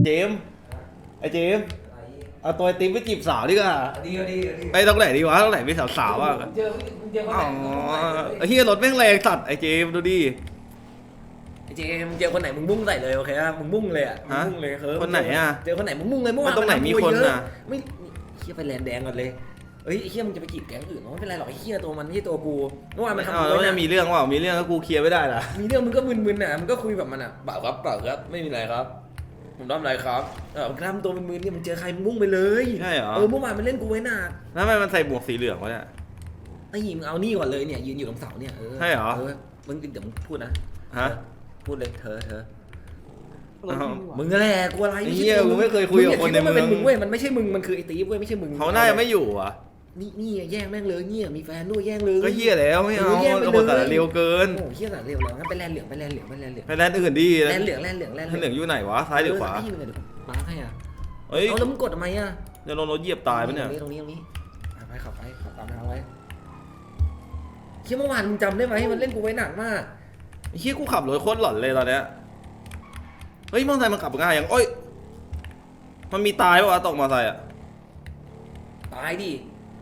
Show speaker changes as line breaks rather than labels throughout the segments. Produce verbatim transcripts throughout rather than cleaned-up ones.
เจมไอเจมเอาตัวไอติมไปจีบสาวดีกว่า
ดีดีดี
ไปตรงไหนดีวะตรงไหนมีสาวๆอ่ะ
เจอเจอคน
อ๋
ไหน
อไอเฮียรถแม่งแรงสัตว์ไอเจมดูดิ
ไอเจมเจอคนไหนมึงมุ่งใส่เลยโอเคป่ะมึงมุ่งเลยอ่ะมึงมุ่งเลยเฮ้ย
คนไหนอ่ะ
เจอคนไหนมึงมุ่งเลยเมื่อวาน
ตรงไหนมีคนอ่ะ
ไม่เฮียไปแลนแดงก่อนเลยเฮ้ยไอเฮียมึงจะไปจีบแก๊งอื่นไม่เป็นไรหรอกไอเฮียตัวมันไม่ใช่ตัวกูเมื่อวานมันทำ
อ้าวแล้วจะมีเรื่องว่ามีเรื่องแล้วกูเคลียร์ไม่ได้ล่ะ
มีเรื่องมึงก็มึนๆอ่ะมึงก็คุยแบบมันอ่ะเปล่าครับเปล่าครับไม่มีอะไรครับผมทำอะไรครับเออมึงทำตัวมึนๆเนี่ยมึงเจอใครมึงมุ่งไปเลย
ใช่เหรอ
เออเมื่อวานมันเล่นกูไว้หนัก
แล้วทำไมมันใส่หมวกสีเหลืองวะเนี่ย
ไอ้หญิงมึงเอานี่ก่อนเลยเนี่ยยืนอยู่ตรงเสาเนี่ยเออ
ใช่เหรอ
เออมึงเดี๋ยวมึงพูดนะ
ฮะ
พูดเลยเธอเธอ
อ้าว
มึงแหละกูอะไร
ไอ้เหี้ยมึงไม่เคยคุยกับคนในเมือง
มันเป็นมึงเว้ยมันไม่ใช่มึงมันคือไอ้ตีฟเว้ยไม่ใช่มึง
เขาน่าจะไม่อยู่อ่ะ
นี่นี่แย่งแม่งเลยเนี่ยมีแฟนด้วยแย่งเลย
ก็เฮียแล้วไม่เอา
แย่งไป
เอา
เล
หม
ย
ดแต่เร็วเกิน
โอ้โหเฮียแต่เร็วแล้วงั้นไปแลนเหลืองไปแลนเหลืองไปแลนเหลือง
ไปแลนด์อื่นดี
แลนเหลืองแลนเหลืองแลน
แลนด์เหลืองอยู่ไหนวะซ้ายหรือขวา
เให้มึงเดี๋ยวมาให้อ่ะ
เฮ้ย
เอาแล้วมึงกดทำไมอ่ะ
จะลงรถเหยียบตายปะเนี่ย
ตรงนี้ตรงนี้ตรงนี้ไปขับไปขับตามทางไว้เฮียเมื่อวานมึงจำได้ไหมมันเล่นกูไว้หนักมาก
ไอ้เฮียกูขับรถโคตรหลอนเลยตอนเนี้ยเฮ้ยมอเตอร์ไซค์มันขับง่ายยังโอ้ยมันมีตายปะวะตกมอเตอร์ไซค์อ่ะ
ตายดิ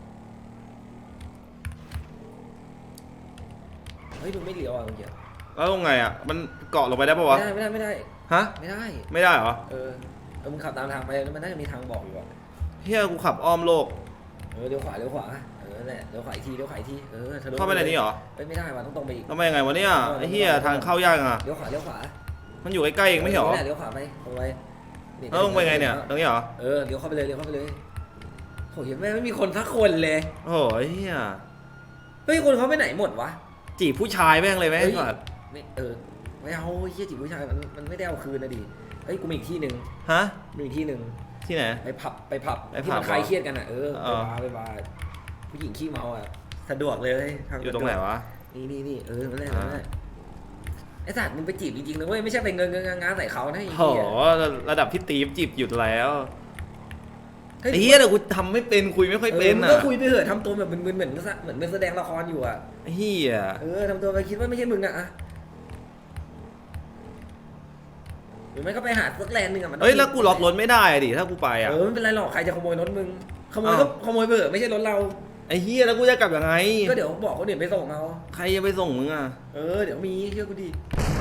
เฮ้ยมึงไม่เลี้ยวอ่ะเมื่อกี้
แล้วลงไงอ่ะมันเกาะลงไปได้ปะวะ
ไม่ได้ไม่ได้ไม่ได้
ฮะ
ไม่ได้
ไม่ได้เหรอ
เออเออมึงขับตามทางไปแล้วมันน่าจะมีทางบอกอยู่อ่ะ
เฮียกูขับอ้อมโลก
เออเลี้ยวขวาเลี้ยวขวาเออนั่นแหละเลี้ยวขวาอีกทีเลี้ยวขวาอีกทีเออทะลุ
เข้าไปในนี้เหรอ
เอ้ยไม่ได้ว่ะต้องตรงไปอีก
ทำไมยังไงวะเนี่ยไอ้เฮียทางเข้ายากอ่ะ
เลี้ยวขวาเลี้ยวขวา
มันอยู่ใกล้ๆเองไม่ใช่เหรอ
นี่แหละเลี้ยวขวาไปตรงไปนี่
แล้วลงไปไงเนี่ยตรงนี้เหรอ
เออเลี้ยวเข้าไปเลยเลี้ยวเข้าไปเลยโหเห็นไหมไม่มีคนสักคนเลย
โอ้ยเฮีย
เฮ้ยคนเขาไปไหนหมดวะ
จีบผู้ชายแม่งเลยแม่ง
เฮ้ย
ก่อน
ไม่เออไม่เอาเฮียจีบผู้ชายมันมันไม่ได้เอาคืนนะดิเฮ้ยกูมีอีกที่หนึ่ง
ฮะ
มีอีกที่หนึ่ง
ที่ไหน
ไปผับไปผับ
ไปผับ
ที่มันคลายเครียดกันอ่ะเออ
เอ
ไป
อ
บาร์ไปบาร์ผู้หญิงขี้เมาอ่ะสะดวกเลยทาง
อยู่ตรงไหนวะ
นี่นี่นี่เออนั่นแหละ
อ่า
นั่นแหละไอ้สัตว์มึงไปจีบจริงๆนะเว้ยไม่ใช่ไปเงินเงินงานใส่เขานะไอ้
โห
เหี้ย
ระดับพี่ตีฟจีบหยุดแล้ว
ฮ้
ไอ้เฮียแต่กูทำไม่เป็นคุยไม่ค่อย
เอ
เป็
อน มึง
อ่ะ
ก็คุยไปเถอะทำตัวแบบมึนๆเหมือนเหมือนเป็นแสดงละครอยู่อ่ะ
ไอ้เฮีย
เออทำตัวไปคิดว่าไม่ใช่มึงอ่ะอะหรือไม่ก็ไปหาสักแลนด์หนึ่งอ่ะมัน
เฮ้ยแล้วกูล็อกรถไม่ได้อะดิถ้ากูไปอ่ะ
เออไม่เป็นไรหรอกใครจะขโมยรถมึงขโมย
อ้าว
ก็ขโมยไปเถอะไม่ใช่รถเรา
ไอ้เฮียแล้วกูจะกลับยังไง
ก็เดี๋ยวบอกคนอื่นไปส่งเอา
ใครจะไปส่งมึงอ่ะ
เออเดี๋ยวมีเชื่อกูดิ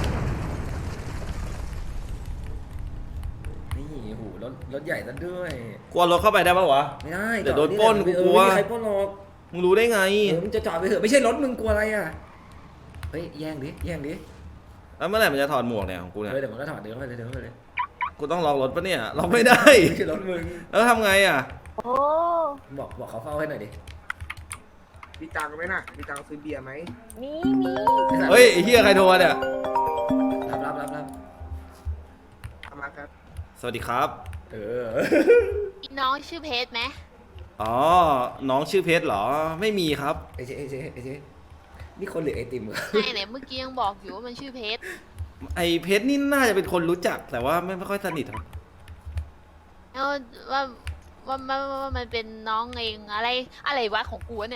นี่โหรถรถใหญ่ซะด้วย
กลัวรถเข้าไปได้ปะวะ
ไม่ได้
เดี๋ยว
จอ
โดนปล้น
เออ
กูกลัว
ไม่มีใครปล้นหรอก
มึงรู้ได้ไง
เออมึงจะจอดไปเถอะไม่ใช่รถมึงกลัวอะไรอ่ะเฮ้ยแย่งดิแย่งดิ
แล้วเมื่อไหร่มันจะถอดหมวกเนี่ยของกูเนี่ย
เออเดี๋ยวมันก็ถอดเดี๋ยวมันก็เลยเดี๋ยวมันก็เลย
กูต้องล็อกรถปะเนี่ยล็อกไม่ได้
ไม่ใช่รถมึง
แล้วทำไงอ่ะ
โอ้
บอกบอกเขาเฝ้าให้หน่อยดิ
มีตังค์ไหมน่ะมีตังค์ซื้อเบียร์ไหม
มีมี
เฮ้ยไอ้เฮียใครโทรมาเนี่ย
รับรับรับรับ
เอามาครับ
สวัสดีครับ
เออ
อีน้องชื่อเพชรไหม
อ๋อน้องชื่อเพชรเหรอไม่มีครับ
ไอเจ๊ไอเจ๊ไอเจ๊นี่คนหรือไอติมเหรอ
ไม่ไหนเมื่อกี้ยังบอกอยู่ว่ามันชื่อเพชร
ไอ้เพชรนี่น่าจะเป็นคนรู้จักแต่ว่าไม่ไม่ค่อยสนิทครับ
แล้วว่าว่าว่าว่ามันเป็นน้องเองอะไรอะไรวะของกูวะเนี่ย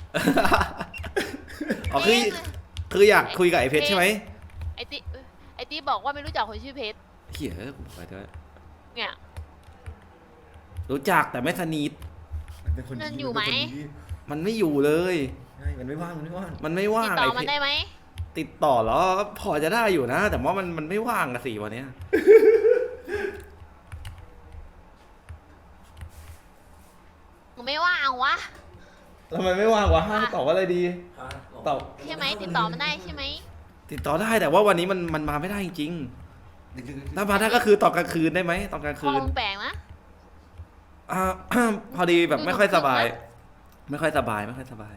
อ๋อคือคืออยากคุยกับไอ้เพชรใช่ไหม
ไอติไอติบอกว่าไม่รู้จักคนชื่อเพชร
เฮียกูไปเถอะ
เนี่ย
รู้จักแต่ไม่สนิท
มันเป็นคนดี
นั่นอยู่ไหม
เป็คนดี
มันไม่อยู่เลย
ใช่มันไม่ว่างมันไม่ว่าง
มันไม่
ติ
ว่า
ด
ง
ต่อ
ไอ้
มัน
เพช
ได้
ร
ไหม
ติดต่อแล้วก็พอจะได้อยู่นะ แต่ว่ามันมันไม่ว่างอะสิวันเนี้ย
มึงไม่ว่างวะ
ทำไมไม่ว่างวะห้างตอบว่าอะไรดี
อ่ะ
ตอบ
ใช่ไหมติดต่อมันได้ใช่ไหม
ติดต่อได้แต่ว่าวันนี้มันมันมาไม่ได้จริง
ดึกๆ
ๆถ้ามาได้ก็คือตอนกลางคืนได้ไหมตอนกลาง
พ่
คื
อน มึงแปลกนะ
อ่า พอดีแบบไม่ค่อยสบาย ไม่ค่อยสบายไม่ค่อยสบาย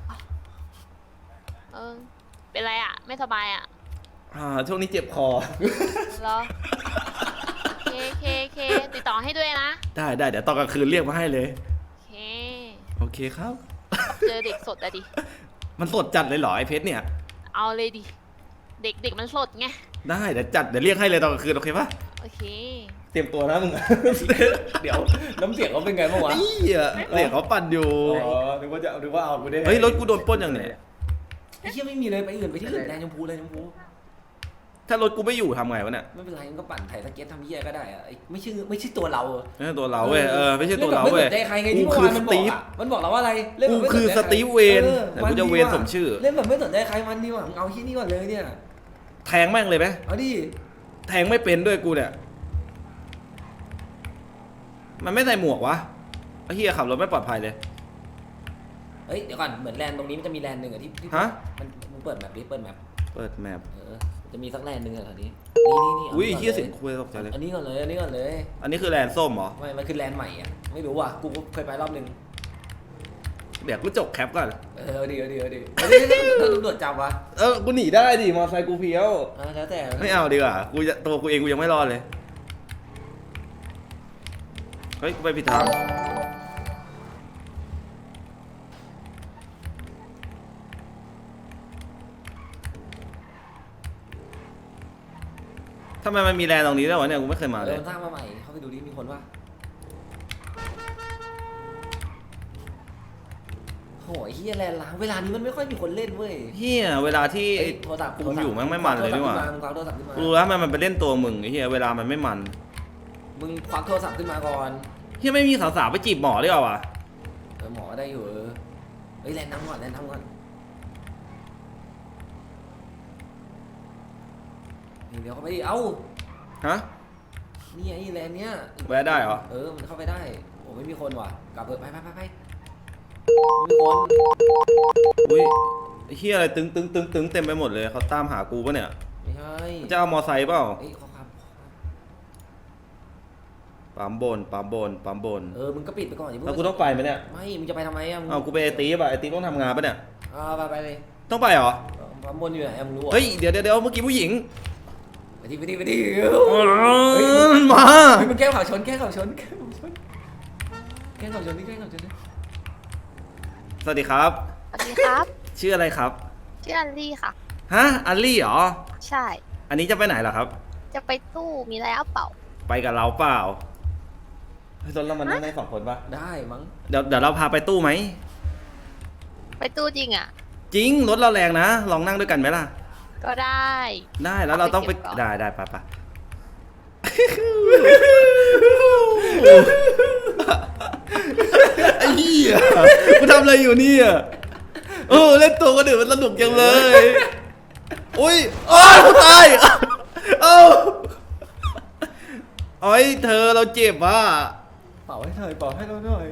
เออเป็นไรอ่ะไม่สบายอ่ะ
อ่าช่วงนี้เจ็บคอ
เหรอเคเคเคติดต่อให้ด้วยนะ
ได้ได้เดี๋ยวตอนกลางคืนเรียกมาให้เลย
เค
โอเคครับ
เจอเด็กสดอะดิ
มันสดจัดเลยเหรอไอ้เพชรเนี่ย
เอาเลยดิ เด็กเด็กมันสดไง
ได้เดี๋ยวจัดเดี๋ยวเรียกให้เลยตอนกลางคืนโอเคปะ
โอเค
เตรียมตัวนะมึง
เดี๋ยวน้ำเสียงเขาเป็นไงบ้างวะ
ไอ้เหี้ยเรียกเขาปั่นอยู่
อ๋อนึกว่าจะนึกว่าเอากูได้
เฮ้ยรถกูโดนปล้นอย่างเนี้ย
ไอ้เหี้ยไม่มีเลยไปอื่นไปที่อื่นแดงชมพูเลยชมพู
ทถ้ารถกูไม่อยู่ทำไงวะเนี่ย
ไม่เป็นไรมันก็ปั่นไถ่สเก็ตทำเหี้ยก็ได้อะไอ้ไม่ใช่ไม่ใช่ตัวเราอะ
ไม่ใช่ตัวเราเว้ยเออไม่ใช่ตัวเรา
ไม่
เว้
ส
ย
นใจใครไงที่
กู
เมื่อ
คือ
วานมันบอก
สตีฟ
อะมันบอกเราว่าอะไรเล่น
กู
แบบไม่
คือ
นใจ
ส
ใร
ตีฟเวน
ออ
แต่กูจะเวนสมชื่อ
เล่นแบบไม่สนใจใครมันดีกว่ามึงเอาที่นี่ก่อนเลยเนี่ย
แทงแม่งเลยไหม
เอาดิ
แทงไม่เป็นด้วยกูเนี่ยมันไม่ใส่หมวกวะไอ้เหี้ยขับรถไม่ปลอดภัยเลย
เฮ้ยเดี๋ยวก่อนเหมือนแลนด์ตรงนี้มันจะมีแลนด์หนึ่งอะที่ที่
ฮะ
มันมึงเปิดแมปดิเปิดแมป
เปิดแมป
เออจะมีสักแลนด์หนึ่งอะแถวนี้นี่นี่นี่
อุ้ย
า
เหี้ย
ก่น
เสียงคุยตกใจเลย
อันนี้ก่อนเลยอันนี้ก่อนเลย
อันนี้คือแลนด์ส้มเหรอ
ไม่มันคือแลนด์ใหม่อะไม่รู้ว่ะกูเคยไปรอบหนึ่ง
เดี๋ยวกูจกแคปก่อน
เออเอาดีเอาดีเอาดีเอาดิถ้าตำรวจจับวะ
เออกูหนีได้ดิมอไซค์กูเพี้ยว
อ่ะแล้วแต่
ไม่เอาดีกว่ากูจะตัวกูเองกูยังไม่รอดเลยเฮ้ยกูไปผิดทางทำไมมันมีแลนด์ตรงนี้ด้วยวะเนี่ยกูไม่เคยมา
เอ
เล
อย มันสร้างมาใหม่เข้าไปดูดิมีคนวะโหยเฮียแลนด์ล้างเวลานี้มันไม่ค่อยมีคนเล่นเว้ย
เฮียเวลาที่
เอ้ยโทรศัพท์
กูอยู่แม่งไม่มันเลยนี่หว่า
มึงควักโทรศัพท์ขึ้นมา
รู้แล้วมันมันไปเล่นตัวมึงไอ้เฮียเวลามันไม่มัน
มึงควักโทรศัพท์ขึ้นมาก่อน
เฮียไม่มีสาวๆไปจีบหมอด้วยเหรอวะ
เออหมอได้อยู่เออเฮ้ยแลนด์น้ำก่อนแลนด์น้ำก่อนนี่เดี๋ยวเข้าไปดิเอ้า
ฮะ
นี่ไอ้แลนด์เนี้ย
แวะได้เหรอ
เออมันเข้าไปได้โอ้ไม่มีคนว่ะกลับเถอะไปไปไปไปไม่มีคน
อุ้ยไอ้เฮียอะไรตึงตึงตึงตึงเต็มไปหมดเลยเขาตามหากูปะเนี่ย
ไม่ใช่
จะเอามอไซค์เปล่า
เอ้ยขอครับ
ปั๊มบนปั๊มบนปั๊มบน
เออมึงก็ปิดไปก่อนอย่าเพิ่ง
แล้วกูต้องไปไหมเนี่ย
ไม่มึงจะไปทำไมอ่ะมึง
เอากูไปไอตีป่ะไอตีต้องทำงานปะเนี่ย
อ่าไปไปเลย
ต้องไปเหรอ
ปั๊มบนอยู่ไหนอะมึงรู้เหรอ
เฮ้ยเดี๋ยวเดี๋ยวเดี๋ยวเมื่อกี้ผู้หญิง
ไปดิไปดิไปดิ
เฮ้ยมา
เฮ้ยมึงแก้ข่าวชนแก้ข่าวชนแก้ข่าวชนแก้ข่าวชนนี่แก้ข่าวชนนี่
สวัสดีครับ
สวัสดีครับ
ชื่ออะไรครับ
ชื่ออันลี่ค่ะ
ฮะอัลลี่เหรอ
ใช่
อันนี้จะไปไหนล่ะครับ
จะไปตู้มีอะไรเอาเปล่า
ไปกับเราเปล่าเฮ้ยตอนเรามันนั่งได้สองคนปะ
ได้มั้ง
เดี๋ยวเดี๋ยวเราพาไปตู้ไหม
ไปตู้จริงอ่ะ
จริงรถเราแรงนะลองนั่งด้วยกันไหมล่ะ
ก็ได้
ได้แล้วเราต้องไป
เอาไปเก็บก่อน
ได้ได้ไปไปไอ้เหี้ยกูทำอะไรอยู่เนี่ยเออเล่นตัวก็เดือดมันสนุกจังเลยอุ้ยโอ้ยกูตายเอ้าโอ้ยเธอเราเจ็บว่ะ
เป่าให้หน่อยเป่าให้เราหน่อย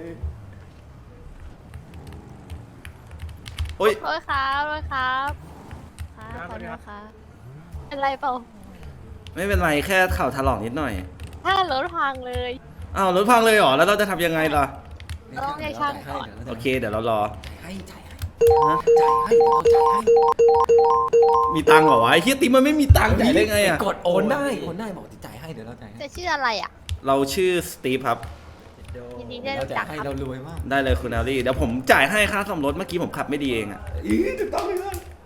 โอ้ย
โทษครับโทษครับครับขอโทษครับเป็นไรเปล่า
ไม่เป็นไรแค่เข่าถลอกนิดหน่อย
ถ้ารถพังเลย
อ้าวรถพังเลยเหรอแล้วเราจะทำยังไงล่ะ
ต้องให้ช่างก่อน
โอเคเดี๋ยวเรารอ
จ่ายให้จ่ายให้
ฮะ
จ่ายให้เดี๋ยวเราจ่ายให้
มีตังค์เหรอวะไอ้เฮียติ๊มมันไม่มีตังค์จ่ายได้ไงอะ
กดโอนได้โอนได้บอกจะจ่ายให้เดี๋ยวเราจ่ายให้
จะชื่ออะไรอ่ะ
เราชื่อสตีฟครับ
ยินดีได้รู้
เรา
จั
จ่าก ยให้
ครับ
เรารวยมาก
ได้เลยคุณแอลลี่เดี๋ยวผมจ่ายให้ค่าซ่อมรถเมื่อกี้ผมขับไม่ดีเองอะ
อีถูกต้องเลย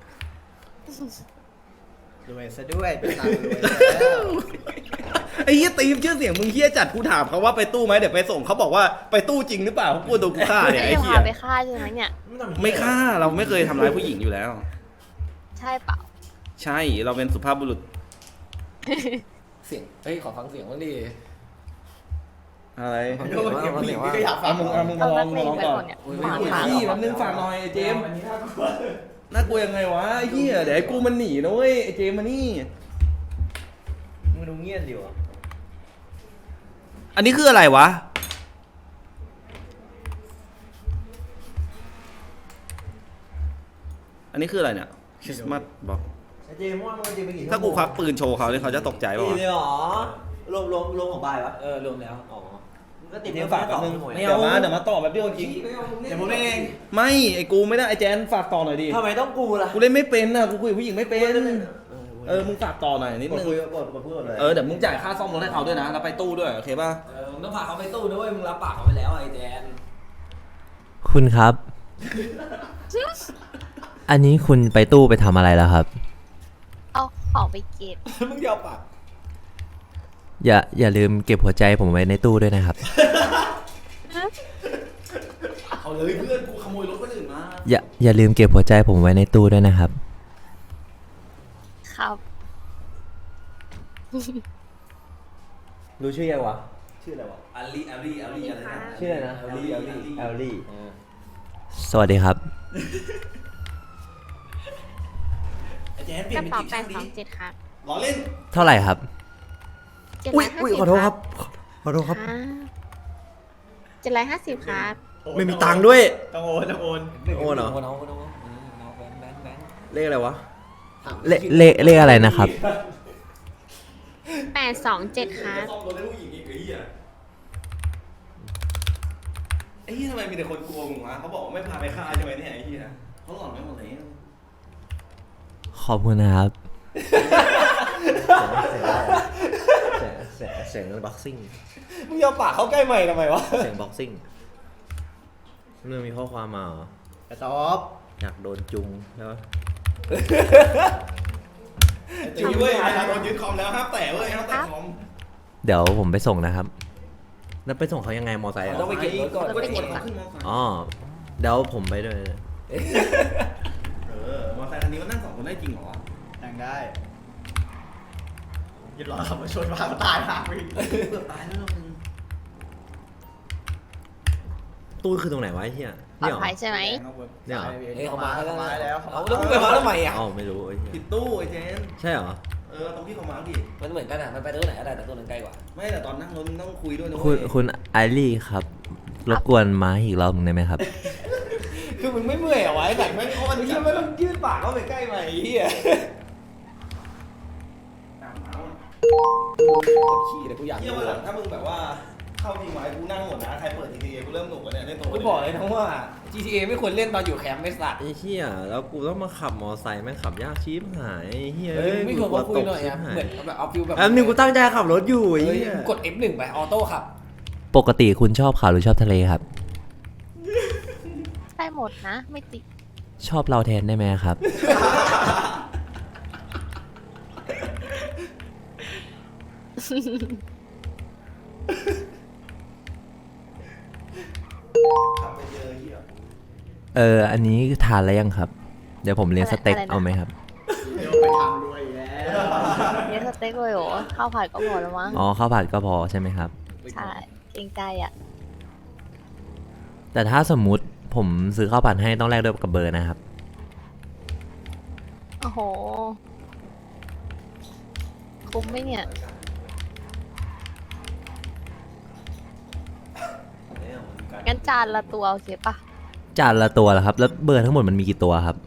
รวยซะด้วยเป็นตารวยซะแล้ว
ไอ้เฮียตีมชื่อเสียงมึงเฮียจัดกูถามเขาว่าไปตู้ไหมเดี๋ยวไปส่งเขาบอกว่าไปตู้จริงหรือเปล่าเขากลัวโดนกูฆ่าเนี่ย
ไม่
ไอ้
ได้
เฮีย
พาไปฆ่าใช่ไหมเนี่ย
ไม่ฆ่าเราไม่เคยทำร้ายผู้หญิงอยู่แล้ว
ใช่เปล่า
ใช่เราเป็นสุภาพบุรุษ
เสียงเฮ้ยขอฟังเสียงบ้างดิ
อะไร
ฟัง
โดนเก็บผู้หญิงพี่ก็อยากฟั
เอา
ง
มึงเอามึงมา
เอา
ลอ
นั
ง
กเล
มาง ลอง
ไป
ก่อน
ก่อนเนี่ย
โอ้ย
หมา
ไม่
หมา
พี่แป๊บนึงฝากหน่อยไอ้เจมส์น่ากลัวยังไงวะไอ้เหี้ยเดี๋ยวไอ้กูมันหนีนะเว้ยไอ้เจมส์มานี่
มึงดูเงียบอยู่อ่ะ
อันนี้คืออะไรวะ อันนี้คืออะไรเนี่ยคริสต์มาสบอก
ไอ้เจมส์ว่ามึงจะไปกี่
ถ้ากูควักปืนโชว์เขาเนี่ยเขาจะตกใจป่าว
กี่
วะ
เลยเหรอรวมรวมรวมของบายวะ
เออรวมแล้ว
อ๋อมึงก็ติด
เดี๋ยวฝากแป๊บนึง
ไม่
เดี๋ยว
เอา
มาเดี๋ยวมาต่อแบบเดียวจริง
เดี๋ยวผมเล่นเอง
ไม่ไอ้กูไม่ได้ไอ้แจนฝากต่อหน่อยดิ
ทำไมต้องกูล่ะ
กูเล่นไม่เป็นนะกูคุยกับผู้หญิงไม่เป็น
เอ
เออมึงฝากต่อหน่อยนิด
กด
นึง
คุยกดกดพูดเลย
เออเดี๋ยวมึงจ่ายค่าซ่อมรถให้เขาด้วยนะแล้วไปตู้ด้วยโอเคป่ะ
เออมึงต้องพาเขาไปตู้นะเว้ยมึงรับปากเขาไปแล้วไอ้แดน
คุณครับ อันนี้คุณไปตู้ไปทำอะไรแล้วครับ
เอาของไปเก็บ
มึงยอมปาก
อย่าอย่าลืมเก็บหัวใจผมไว้ในตู้ด้วยนะครับ
เอาเลยเพื่อนกูขโมยรถคนอื่นมา
อย่าอย่าลืมเก็บหัวใจผมไว้ในตู้ด้วยนะครับ
ครับ
รู้ชื่อยังวะ
ชื่ออะไรวะ
อาลีอาลีอาลีอะไรนะ
ชื่ออะไรนะ
แอลลี่แอลลี่
แอลลี่ สวัสดีครับ
ไอ้แจนเปลี่
ก
ยน
ระ
เป็น
เป๋า
จีบ
แป
ช่า
ด
ง
ส
ดิ
องเจ็ดครับ
ล้อเล่น
เท่าไหร่ครับ
เจ็ด
อุ้
ร้
ย
อยห้า
อุ้ย
สิบ
ขอโทษครับ ขอโทษครับ
เจ็ดร้อยห้าสิบครับ
ไม่มีตังค์ด้วย
ต้องโอนต้องโอน
โอ้เหรอ
โอ้น้องโอ้น้องน้องแบงค์แบงค์แบงค์
เลขอะไรวะ เลขเลขเลขอะไรนะครับ
แปดสองเจ็ดครับ
ซ่อมรถให้ผู้หญิงอีกไอ้เหี้ยไอ้เหี้ยทำไมมีแต่คนกลัวมึงวะเขาบอกว่าไม่พาไปฆ่าใช่ไหมเนี่ยไอ้เหี้ยเขาหลอนไม่หมดเลย
ขอบคุณนะครับ
เสียงเสียงเสียงบ็อกซิ่ง
มึงยอมปากเข้าใกล้ใหม่ทำไมวะ
เสียงบ็อกซิ่งเรื่องมีข้อความมาเหรอ
ไอ้ตอบ
อยากโดนจุงใช่ปะ
จริงเว้ยนะโดนยึดคอมแล้วห้ามแตะเว้ยห้ามแตะคอม
เดี๋ยวผมไปส่งนะครับ
แล้วไปส่งเขายังไงมอไซค์อะ
ต้องไปเก็บรถก่อน
ก็ชวนเขาขึ้นมอเตอร์ไซค์
อ๋อเดี๋ยวผมไปด้วย
เออมอเตอร์ไซค์คันนี้มันนั่งสองคนได้จริงเหรอวะ
นั่งได้ยึดรอขับมาชนพามาตายหาไป
เกือบตายแล้วมึง
ตู้คือตรงไหนวะไอ้เหี้ย
ปลอ
นี่
ด
เหรอ
ภัยใช่ไหม
เนี่ยเหรอ
เฮ้ยเขามาเขามาแล้ว
เอาแล้วมึงไปมาทำไมอ่ะ
อ๋อไม่รู้ไอ้เหี้ย
ผิดตู้ไอ้เจน
ใช่เหรอ
เออตรงที่เขามาร์กดิ
มันเหมือนกันอ่ะมันไปตู้ไหนก็ได้แต่ตู้นั้นใกล้กว่า
ไม่แต่ตอนนั่งรถมึงต้องคุยด้วยนะ
คุณ
เว้ย
คุณไอรี่ครับ รบกวนมาอีกรอบหนึงได้ไหมครับ
คือมึงไม่เมื่อยเหรอวะไอ้สัตว์แม่งเขามันเหี้ยไม่ต้องยืดปากเข้าไปใกล้ใหม่ไอ้เหี้ย
ตามมาว่ะ
ปวดขี้เลยกูอยาก
เที่ยวมาหลังถ้ามึงแบบว่าเข้าทีมไว้กูนั่งหมดนะใครเปิดทีทีกูเริ่มหนุกแล้วเนี่ยเล่นตัว
กูบอกเลยนะว่า จี ที เอ ไม่ควรเล่นตอนอยู่แคมป์ไม่สัตว์
ไอ้เหี้ยแล้วกูต้องมาขับมอไซค์แม่งขับยากชิบหายไอ้เหี้ย
เฮ้ยไม่ควรมาคุยหน่อย
ชิ
อะ
บหา
เหมือนแบบเอาฟิลแบบ
แป๊บนึงกูตั้งใจขับรถอยู่ไอ้
เฮ้ย
เหี้ย
มึงกด เอฟ หนึ่ง ไปออโต้ขับ
ปกติคุณชอบข่าวหรือชอบทะเลครับ
ได้หมดนะ ไม่ติด
ชอบเราแทนได้ไหมครับ
ขับไปเจอเหี้ย
เออ อันนี้ทานแล้วยังครับ เดี๋ยวผมเลี้ยง
อะไร
สเต็ก
อะไรนะ
เอาไหมครับ
เดี๋ยวไปทำด้วยแล้ว
เนื้อสเต็กเลยเหรอข้าวผัดก็พอแล้วมั้ง
อ๋อข้าวผัดก็พอใช่ไหมครับ
ใช่เกรงใจอ่ะ
แต่ถ้าสมมุติผมซื้อข้าวผัดให้ต้องแลกด้วยกับเบอร์นะครับ
โอ้โห คุ้มไหมเนี่ย งั้นจานละตัวโอเคปะ
จานละตัวเหรอครับ แล้วเบอร์ทั้งหมดมันมีกี่ตัวครับ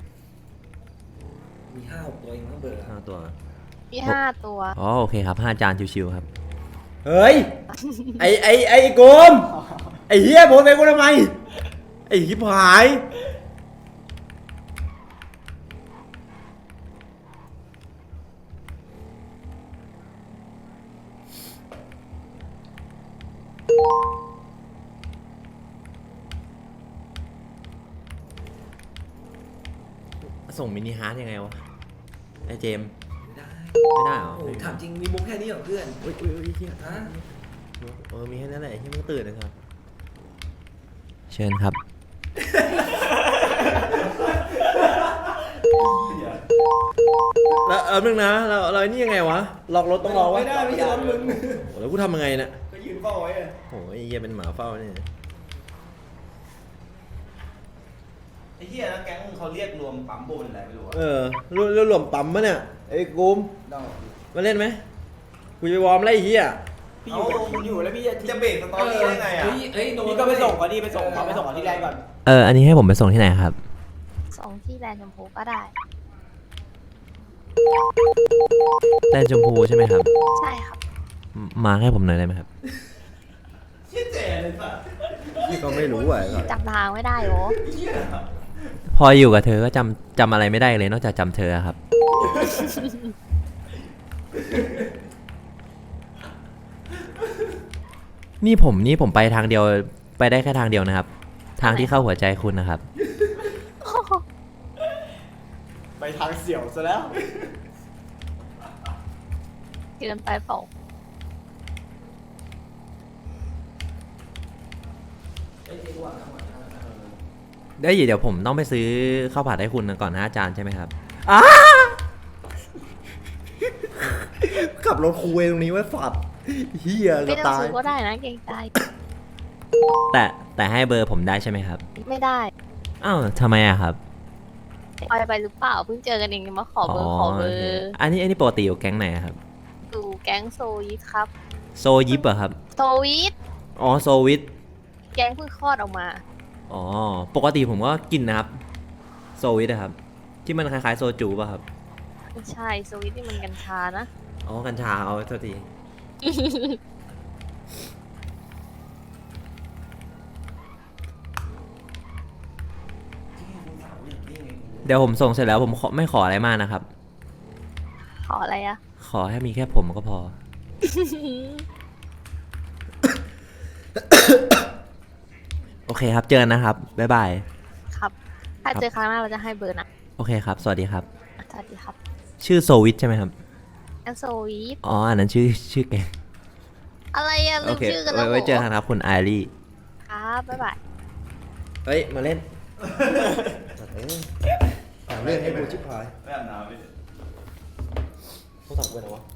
มีห้าหกตัวเองมั้งเบอร์ห้าตัว
มีห้าตัว
อ๋อโอเคครับห้าจานชิวๆครับ
เฮ้ย ไอไอไอโกมไอเฮียโบนไปกูทำไม ไอฮิบหาย ส่งมินิฮาร์ดยังไงวะ ไอเจมส์ไม่ได้เหรอ
โอ้ถามจริงมีมุกแค่นี้เหรอเพื่อน
อุ้ยอุ้ยอุ้ยเฮีย
ฮะ
เออ มีแค่นั้นแหละที่มึงตื่นนะครับ
เชิญครับ
แล้วเออนึงนะ เราเราไอ้นี่ยังไงวะ ล็อกรถต้องรอวะ
ไม่ได้ไม่ใช่รถมึง
โอ้แล้วกูทำยังไงเนี่ย
ก็ยืนเฝ้าไว้อะ
โอ้ยไอ้เหี้ยเป็นหมาเฝ้าเนี่ย
ไอ้เหี้ยนะแก๊งมึงเขาเรียกรวมปั๊มโบนอะไรไม่รู้อะ
เออรวมรวมปั๊มมะเนี่ย ไอ้กูมมาเล่นไหมกูจะไปวอร์มไล่ไอ้เหี้ย
พี่อยู่กับคุณอยู่แล้วพี่จะ
จะเบรกสตอรี่ได้ไงอะ
เฮ้ยเฮ้ยพี่ก็ไปส่งเขาดิไปส่งเขาไปส่งเขาที่แรกก่อน
เออ อันนี้ให้ผมไปส่งที่ไหนครับ
สองที่แลนด์ชมพูก็ได้
แลนด์ชมพูใช่ไหมครับ
ใช่ครับ
มมาให้ผมหน่อยได้ไหมครับ
เชี่ยแจ๋เลยสัส
พี่ก็ไม่รู้อ่ะ
จำทางไม่ได้เหรอ
เหี้ย
พออยู่กับเธอก็จำจำอะไรไม่ได้เลยนอกจากจำเธอครับ นี่ผมนี่ผมไปทางเดียวไปได้แค่ทางเดียวนะครับ ทางที่เข้าหัวใจคุณนะครับ
ไปทางเสี่ยวซะแล้ว
เกินไปเปล่า
ได้ยเดี๋ยวผมต้องไปซื้อข้าวผัดให้คุณก่อนนะอาจารย์ใช่ไหมครับ
ข
ขับรถคุยตรงนี้ไว้ฝัดเฮีย
ไม่
จะ
ต้อง
ตาย
ซื้อก็ได้นะเกรงใจ
แต่แต่ให้เบอร์ผมได้ใช่ไหมครับ
ไม่ได้
อ้าวทำไมอะครับ
ปล่อยไปหรือเปล่าเพิ่งเจอกันเองมาขอเบอร์ขอเบอ
โอเค
ร์
อันนี้อันนี้ปกติอยู่แก๊งไหนอะครับ
ดูแก๊งโซยิตครับ
โซยิปเหรอะครับ
โซยิต
อ๋อโซวิท
แก๊งเพิ่งคลอดออกมา
อ๋อ ปกติผมก็กินนะครับ โซวิทนะครับ ที่มันคล้ายๆโซจูป่ะครับ
ไม่ใช่โซยิตนี่มันกัญชานะ
อ๋อ กัญชาเอาโทษที เดี๋ยวผมส่งเสร็จแล้วผมขอไม่ขออะไรมากนะครับ
ขออะไรอะ
ขอให้มีแค่ผมก็พอ โอเคครับ เจอกันนะครับ บ๊ายบาย
ครับ ถ้าเจอครั้งหน้าเราจะให้เบอร์นะ
โอเคครับ สวัสดีครับ
สวัสดีครับ
ชื่อโซวิทใช่ไหมครับ
แก๊งโซยิต
อ๋อ อันนั้นชื่อชื่อแกง
อะไรอะลื
โอ
ม
เค
ชื่อกัน
ไว้
แล้ว
ไว้เจอ
เหร
กั
อน
ครับคุณไอรี
ครับบ๊ายบาย
เฮ้ย มาเล่น
หาเรื่องให้กูชิบหาย
ไม่อาบน้ำพี่
โทรศัพท์กูไปไหนวะ